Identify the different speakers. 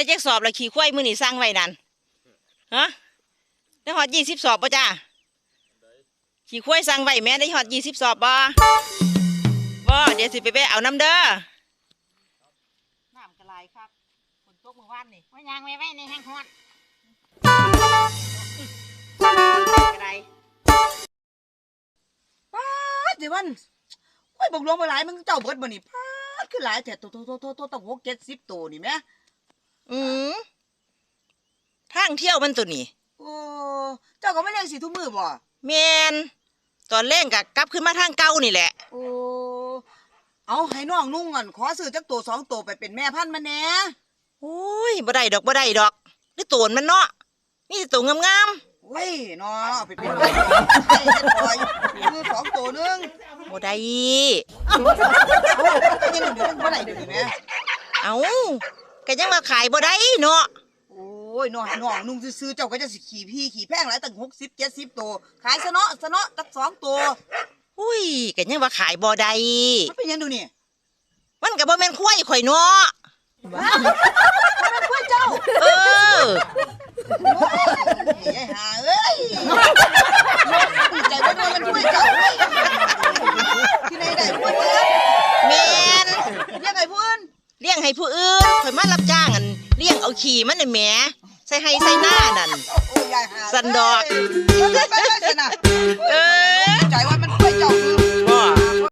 Speaker 1: จักสอบละขี่ควายมื้อนี้สร้างไว้นั่นฮะได้ฮอด20 สอบป่ะจ้าขี่ควายสร้างไว้แม่ได้ฮอด20 สอบบ่เดี๋ยวสิไปเอาน้ำเด้อน้ำกระไรครับฝนตกเมื่อวานนี่ว่ายางไว้ในแห้งฮอดกระไร
Speaker 2: ป้าดสิวันโอ้ยบอกลวงไปหลายมึงเจ้าเบิดบ่นี่ป้าดคือหลายแต่โตต้อง60-70ตัวนี่แม่
Speaker 1: อืมทางเที่ยวมันตัวนี้
Speaker 2: โอ้เจ้าก็ไม่เลี้ยงสิทุกมื้อบ่
Speaker 1: แม่นตอนแรกก็กลับขึ้นมาทางเก่านี่แหละ
Speaker 2: โอ้เอาให้น้องนุ่งก่อนขอซื้อจักตัว2ตัวไปเป็นแม่พันธุ์มันแหน่
Speaker 1: โอ้ยบ่ได้ดอกหรือโตนมันเนาะนี่ตัวงาม
Speaker 2: โอ้ยเนาะเอาไปเป็นแม่ปล่อยคือ2ตัวนึง
Speaker 1: บ่ได้
Speaker 2: ยังเดี๋ยวบ่ได้เดี๋ยวนี้แม่
Speaker 1: เอาก็ยังมาขายบ่ได้เนาะ
Speaker 2: โอ้ยน้องนุ่งซื้อเจ้าก็จะสิขี่แพงหลายตั้ง60-70ตัวขายซะเนาะตัก2ตัว
Speaker 1: อุ้ยก็ยังว่าขายบ่ได้
Speaker 2: มันเป็นยังดูนี่
Speaker 1: มันก็บ่แม่นควายข่อยเนาะ
Speaker 2: มันเป็นควายเจ้าไอ้ห่าเอ้ยใจว่ามันควายเจ้าที่ไหนได้ควาย
Speaker 1: แม่น
Speaker 2: เลี้ยงไอ้ผู้อื่น
Speaker 1: เลี้ยงให้ผู้อื่นข่อยมารับจ้างอันเลี้ยงเอาขี้มันน่ะแหมใส่ให้ใส่หน้านั่น
Speaker 2: โอ้ยยายห่า
Speaker 1: สันดอก
Speaker 2: ไปนะใจว่า